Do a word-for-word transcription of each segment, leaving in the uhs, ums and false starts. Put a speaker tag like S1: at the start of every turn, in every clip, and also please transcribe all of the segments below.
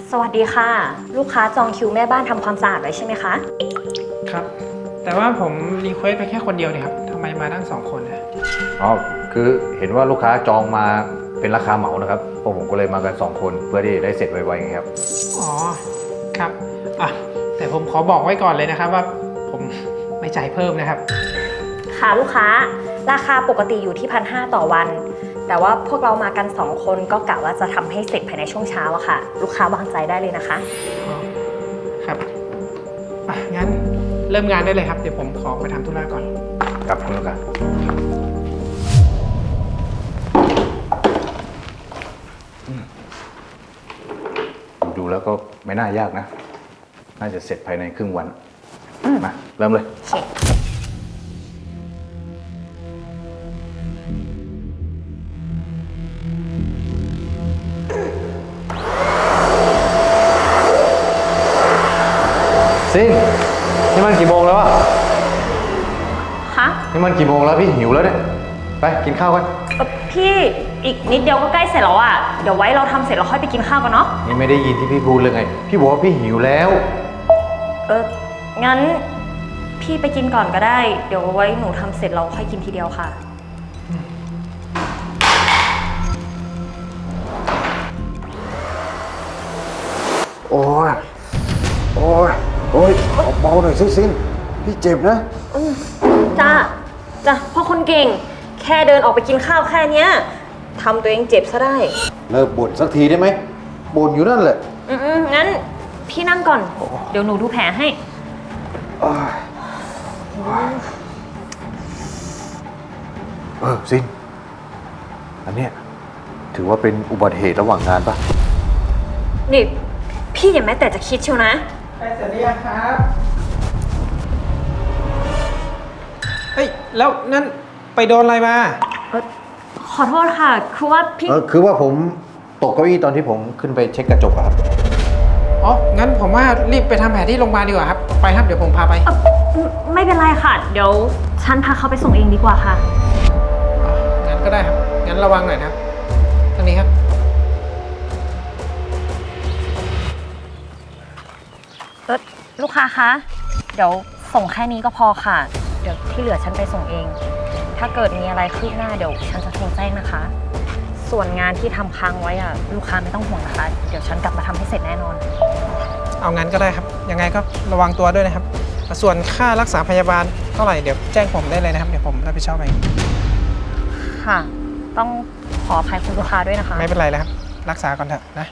S1: สวัสดีค่ะลูกค้าจองคิวแม่บ้านทำความสะอาดไว้ใช่ไหมคะ
S2: ครับแต่ว่าผมรีเควสไปแค่คนเดียวเนี่ยครับทำไมมาตั้งสองคนนะ
S3: อ๋อคือเห็นว่าลูกค้าจองมาเป็นราคาเหมานะครับพวกผมก็เลยมากันสองคนเพื่อที่ได้เสร็จไวๆไงครับ
S2: อ๋อครับอ่ะแต่ผมขอบอกไว้ก่อนเลยนะครับว่าผมไม่จ่ายเพิ่มนะครับ
S1: ค่ะลูกค้าราคาปกติอยู่ที่พันห้าต่อวันแต่ว่าพวกเรามากันสองคนก็กะว่าจะทำให้เสร็จภายในช่วงเช้าอะค่ะลูกค้าวางใจได้เลยนะคะ
S2: อ๋อครับอ่ะงั้นเริ่มงานได้เลยครับเดี๋ยวผมขอไปทำธุระก่อน
S3: ครับคุณลูกค้าดูแล้วก็ไม่น่ายากนะน่าจะเสร็จภายในครึ่งวันมาเริ่มเลยซินนี่มันกี่โมงแล้วอะ
S1: ฮะ
S3: นี่มันกี่โมงแล้วพี่หิวแล้วเนี่ยไปกินข้าวกัน
S1: พี่อีกนิดเดียวก็ใกล้เสร็จแล้วอะเดี๋ยวไว้เราทำเสร็จเราค่อยไปกินข้าวกันเนาะ
S3: นี่ไม่ได้ยินที่พี่พูดเลยไงพี่บอกว่าพี่หิวแล้ว
S1: เอองั้นพี่ไปกินก่อนก็ได้เดี๋ยวไว้หนูทำเสร็จเราค่อยกินทีเดียวค่ะ
S3: โอ้ยโอ้ยโอ้ยเบาๆหน่อยซิซินพี่เจ็บนะ
S1: จ้าจ้าพ่อคนเก่งแค่เดินออกไปกินข้าวแค่เนี้ยทำตัวเองเจ็บซะได้
S3: เลิกบ่นสักทีได้ไหมบ่นอยู่นั่นแหละ
S1: อืมงั้นพี่นั่งก่อนเดี๋ยวหนูดูแผลให้
S3: เออซินอันเนี้ยถือว่าเป็นอุบัติเหตุระหว่างงานปะ
S1: นี่พี่อย่าแม้แต่จะคิดเชียวนะ
S2: ไปเสร็จหรือยังครับเฮ้ยแล้วนั่นไปโดนอะไรมา
S1: ขอโทษค่ะคือว่าพี่
S3: เออคือว่าผมตกเก้าอี้ตอนที่ผมขึ้นไปเช็คกระจกครับ
S2: อ๋องั้นผมว่ารีบไปทำแผลที่โรงพยาบาลดีกว่าครับไปครับเดี๋ยวผมพาไป
S1: ไม่เป็นไรค่ะเดี๋ยวฉันพาเขาไปส่งเองดีกว่าค่ะ
S2: งั้นก็ได้ครับงั้นระวังหน่อยนะครับทางนี้ครับ
S1: เออลูกค้าคะเดี๋ยวส่งแค่นี้ก็พอค่ะเดี๋ยวที่เหลือฉันไปส่งเองถ้าเกิดมีอะไรคืบหน้าเดี๋ยวฉันจะโทรแจ้งนะคะส่วนงานที่ทำค้างไว้อะลูกค้าไม่ต้องห่วงนะคะเดี๋ยวฉันกลับมาทำให้เสร็จแน่นอน
S2: เอางั้นก็ได้ครับยังไงก็ระวังตัวด้วยนะครับส่วนค่ารักษาพยาบาลเท่าไหร่เดี๋ยวแจ้งผมได้เลยนะครับเดี๋ยวผมรับผิดชอบเอง
S1: ค่ะต้องขออภัยคุณลูกค้าด้วยนะคะ
S2: ไม่เป็นไรแล้วครับรักษาก่อนเถอะนะ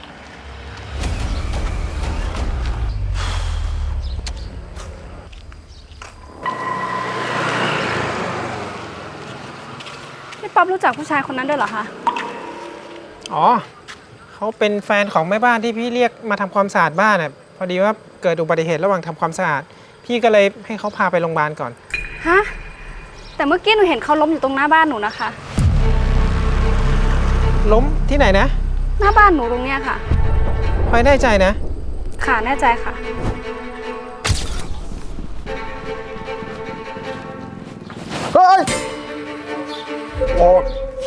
S4: พี่ป๊อปรู้จักผู้ชายคนนั้นด้วยเหรอคะ
S2: อ๋อเขาเป็นแฟนของแม่บ้านที่พี่เรียกมาทำความสะอาดบ้านน่ะพอดีว่าเกิดอุบัติเหตุระหว่างทำความสะอาดพี่ก็เลยให้เขาพาไปโรงพยาบาลก่อน
S4: ฮะแต่เมื่อกี้หนูเห็นเขาล้มอยู่ตรงหน้าบ้านหนูนะคะ
S2: ล้มที่ไหนนะ
S4: หน้าบ้านหนูตรงเนี้ยค่ะ
S2: พลอยแน่ใจนะ
S4: ค่ะแน่ใจค่ะ
S3: เฮ้ยโอ้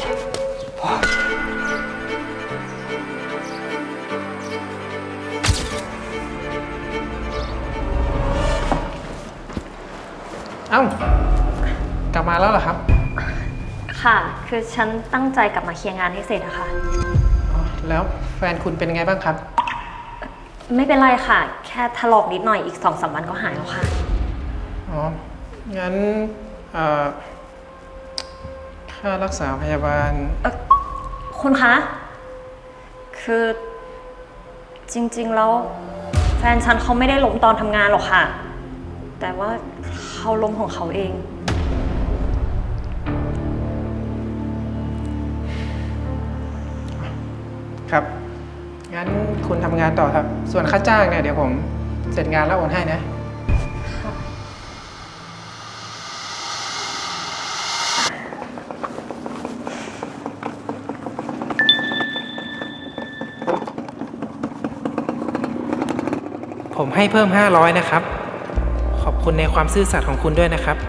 S2: เอ้ากลับมาแล้วเหรอครับ
S1: ค่ะคือฉันตั้งใจกลับมาเคลียร์งานให้เสร็จอะค่ะ
S2: แล้วแฟนคุณเป็นไงบ้างครับ
S1: ไม่เป็นไรค่ะแค่ถลอกนิดหน่อยอีกสองสามวันก็หายแล้วค่ะ
S2: อ๋องั้นค่ารักษาพยาบาล
S1: คุณคะคือจริงๆแล้วแฟนฉันเขาไม่ได้ล้มตอนทำงานหรอกค่ะแต่ว่าเขาล้มของเขาเอง
S2: ครับงั้นคุณทำงานต่อครับส่วนค่าจ้างเนี่ยเดี๋ยวผมเสร็จงานแล้วโอนให้นะผมให้เพิ่มห้าร้อยนะครับขอบคุณในความซื่อสัตย์ของคุณด้วยนะครับ